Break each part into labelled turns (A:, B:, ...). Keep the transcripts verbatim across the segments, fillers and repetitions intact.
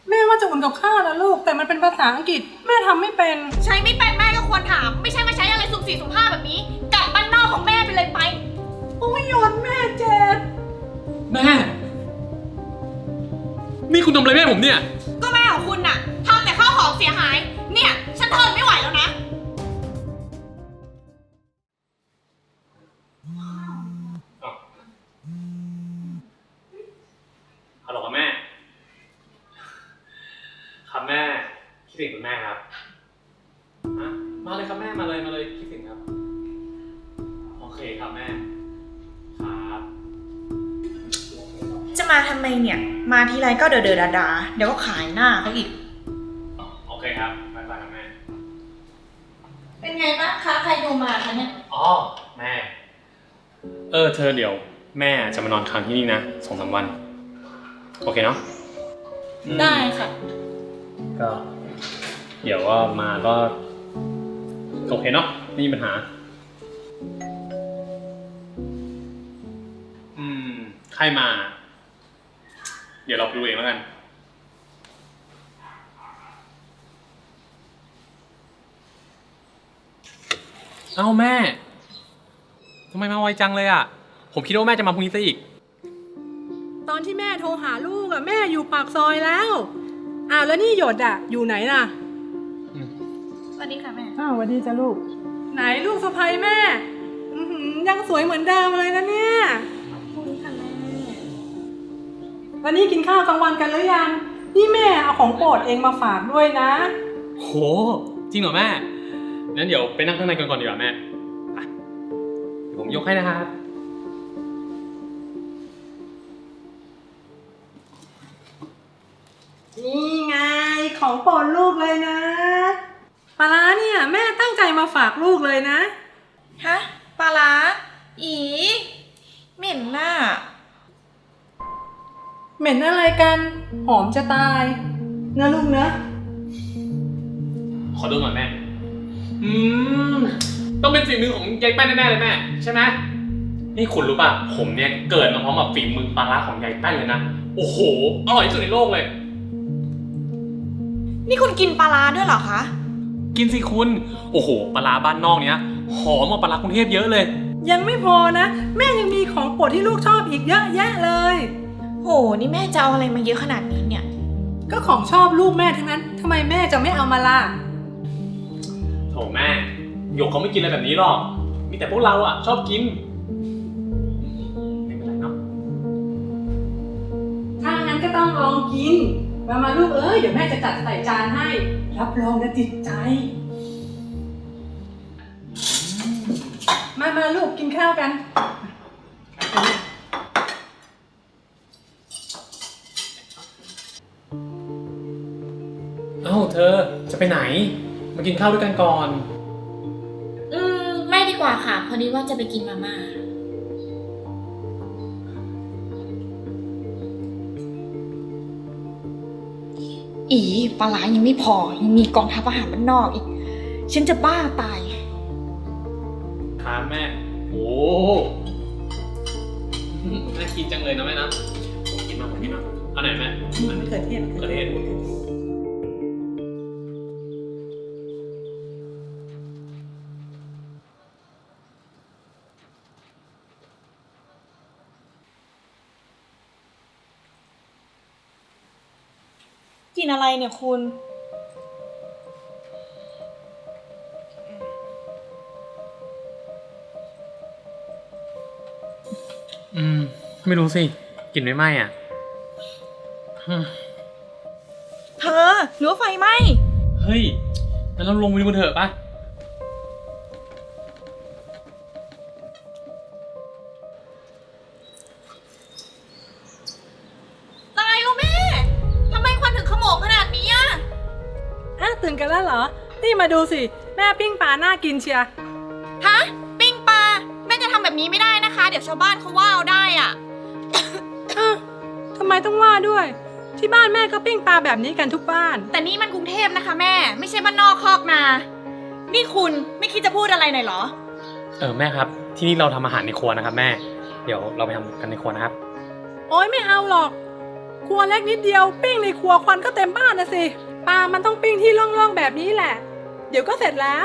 A: แม่ว่าจะอุ่นกับข้าวนะลูกแต่มันเป็นภาษาอังกฤษแม่ทำไม่เป็น
B: ใช้ไม่เป็นแม่ก็ควรถามไม่ใช่มาใช้อะไรสุ่มสี่สุ่มห้าแบบนี้กลับบ้านนอกของแม่ไปเลยไป
A: โอ้ยโยนแม่เจ็บ
C: แม่นี่คุณทำอะไรแม่ผมเนี่ย
B: ก็แม่ของคุณน่ะทำแต่ข้าวของเสียหายเนี่ยฉันทนไม่ไหวแล้วนะ
C: ฮัลโหลครับแม่ครับแม่คิดถึงคุณแม่ครับมาเลยครับแม่มาเลยมาเลยคิดถึงครับโอเคครับแม่ครับ
B: จะมาทำไมเนี่ยมาทีไรก็เดอเดอดาดาเดี๋ยวก็ขายหน้าเขาอีก
C: โอเคครับบ๊ายบายครับแม่
B: เป็นไงบ้างคะใครดูมาคะเนี่ย
C: อ๋อแม่เออเธอเดี๋ยวแม่จะมานอนค้างที่นี่นะสองสามวันโอเคเนาะ
B: ได้ค่ะ
C: ก็เดี๋ยวว่ามาก็โอเคเนาะไม่มีปัญหาอืมใครมาเดี๋ยวเราไปดูเองแล้วกันเอ้าแม่ทำไมมาไวจังเลยอ่ะผมคิดว่าแม่จะมาพรุ่งนี้ซะอีก
A: ตอนที่แม่โทรหาลูกอะแม่อยู่ปากซอยแล้วอ้าวแล้วนี่หยดอะอยู่ไหนล่ะ
B: สวัสดีค่ะแม่
A: อ้าวสวัสดีจ้ะลูกไหนลูกสะใภ้แม่อือหือยังสวยเหมือนเดิมเลยนะเนี่ย
B: ขอบคุณค่ะแม่
A: วันนี้กินข้าวกลางวันกันหรือยังนี่แม่เอาของโปรดเองมาฝากด้วยนะ
C: โหจริงเหรอแม่งั้นเดี๋ยวไปนั่งข้างในกันก่อนดีกว่าแม่เดี๋ยวผมยกให้นะครับ
A: นี่ไงของโปรดลูกเลยนะปลาร้าเนี่ยแม่ตั้งใจมาฝากลูกเลยนะ
B: ฮะปลาร้าอีเหม็นน่ะ
A: เหม็นอะไรกันหอมจะตายเนื้อลูกเนื้อ
C: ขอดูหน่อยแม่อืมต้องเป็นฝีมือของยายแป้นแน่ๆเลยแม่ใช่ไหมนี่คุณรู้ป่ะผมเนี่ยเกิดมาพร้อมกับฝีมือปลาร้าของยายแป้นเลยนะโอ้โหอร่อยที่สุดในโลกเลย
B: นี่คุณกินปลาร้าด้วยเหรอคะ
C: กินสิคุณโอ้โหปลาร้าบ้านนอกเนี้ยหอมกว่าปลาร้ากรุงเทพเยอะเลย
A: ยังไม่พอนะแม่ยังมีของโปรดที่ลูกชอบอีกเยอะแยะเลย
B: โหนี่แม่จะเอาอะไรมาเยอะขนาดนี้เนี่ย
A: ก็ของชอบลูกแม่ทั้งนั้นทำไมแม่จะไม่เอามาล่ะ
C: โถแม่หยกเขาไม่กินอะไรแบบนี้หรอกมีแต่พวกเราอ่ะชอบกินไม่เป็นไรเนาะ
A: ถ้างั้นก็ต้องลองกินมามาลูกเอ้ยเดี๋ยวแม่จะจัดใส่จานให้รับรองจะติดใจมามาลูกกินข้าวกัน
C: เอ้าเธอจะไปไหนมากินข้าวด้วยกันก่อน
B: อืมไม่ดีกว่าค่ะพอดีว่าจะไปกินมาม่าอีปลาร้ายังไม่พอยังมีกองทัพอาหารบ้านนอกอีกฉันจะบ้าตาย
C: ครับแม่โอ้น่ากินจังเลยนะแม่นะผมกินมาผมกินมาเอาไหนแม่
A: มันเกิดเทศ
C: เกิดเทศ
B: กินอะไรเนี่ยคุณ
C: อืมไม่รู้สิกลิ่นไม่ไหม้อ่ะ
B: เธอหรือว่าไฟไหม้
C: เฮ้ยงั้นเราลงไปดูกันเถอะปะ
B: ตายแล้วแม่ทำไมควันถึงขโมงขนาดนี้อ่ะ
A: อ่ะตื่นกันแล้วเหรอนี่มาดูสิแม่ปิ้งปลาน่ากินเชีย
B: ฮะปิ้งปลาแม่จะทำแบบนี้ไม่ได้นะคะเดี๋ยวชาวบ้านเขาว่าเอาได้อ่ะ
A: ทำไมต้องว่าด้วยที่บ้านแม่ก็ปิ้งปลาแบบนี้กันทุกบ้าน
B: แต่นี่มันกรุงเทพนะคะแม่ไม่ใช่บ้านนอกคอกนานี่คุณไม่คิดจะพูดอะไรหน่อยเหรอ
C: เออแม่ครับที่นี่เราทำอาหารในครัวนะครับแม่เดี๋ยวเราไปทำกันในครัวนะครับ
A: โอ๊ยไม่เอาหรอกครัวเล็กนิดเดียวปิ้งในครัวควันก็เต็มบ้านนะสิปลามันต้องปิ้งที่โล่งๆแบบนี้แหละเดี๋ยวก็เสร็จแล้ว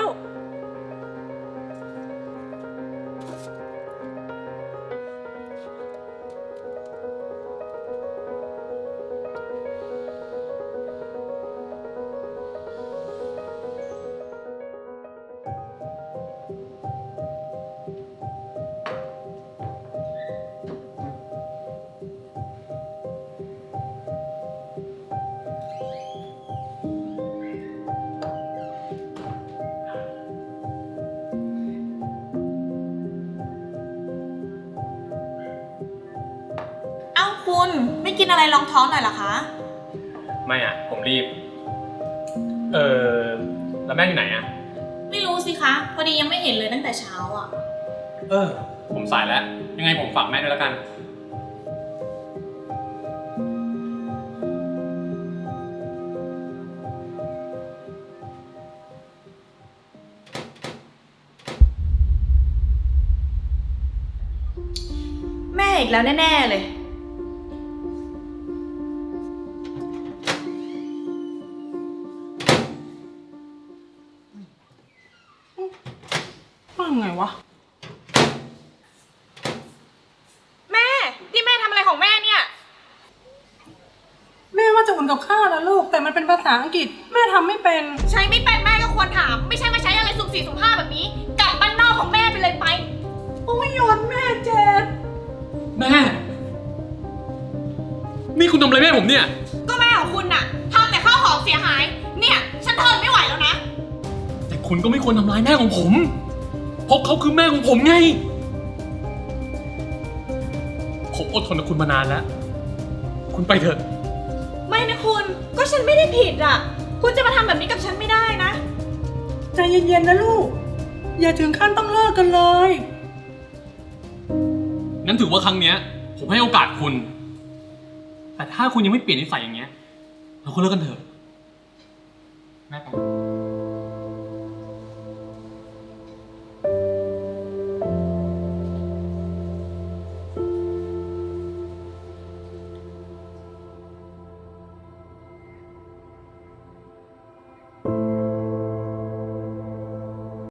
B: เอ้าคุณไม่กินอะไรรองท้องหน่อยเหรอคะ
C: ไม่อ่ะ ผมรีบ เออแล้วแม่อยู่ไหนอ่ะ
B: ไม่รู้สิคะ พอดียังไม่เห็นเลยตั้งแต่เช้าอ่ะ
C: เออ ผมสายแล้ว ยังไงผมฝากแม่ด้วยแล้วกัน
B: แม่อีกแล้วแน่ๆเลย
A: ว่าไงวะ
B: แม่ นี่แม่ทำอะไรของแม่เนี่ย
A: แม่ว่าจะอุ่นกับข้าวนะลูกแต่มันเป็นภาษาอังกฤษแม่ทำไม่เป็น
B: ใช้ไม่เป็นแม่ก็ควรถาม ไม่ใช่มาใช้อะไรสุ่มสี่สุ่มห้าแบบนี้ กลับบ้านนอกของแม่ไปเลยไป
A: โอ้ยโยนแม่เจ็บ
C: แม่ นี่คุณทำอะไรแม่ผมเนี่ย
B: ก็แม่ของคุณน่ะทำแต่ข้าวของเสียหาย เนี่ยฉันทนไม่ไหวแล้วนะ
C: แต่คุณก็ไม่ควรทำร้ายแม่ของผม เพราะเขาคือแม่ของผมไง ผมอดทนกับคุณมานานแล้ว คุณไปเถอะ
B: ไม่นะคุณ ก็ฉันไม่ได้ผิดอ่ะ คุณจะมาทำแบบนี้กับฉันไม่ได้นะ
A: ใจเย็นๆนะลูกอย่าถึงขั้นต้องเลิกกันเลย
C: งั้นถือว่าครั้งเนี้ย ผมให้โอกาสคุณ แต่ถ้าคุณยังไม่เปลี่ยนนิสัยอย่างเงี้ย เราก็เลิกกันเถอะ แม่ไป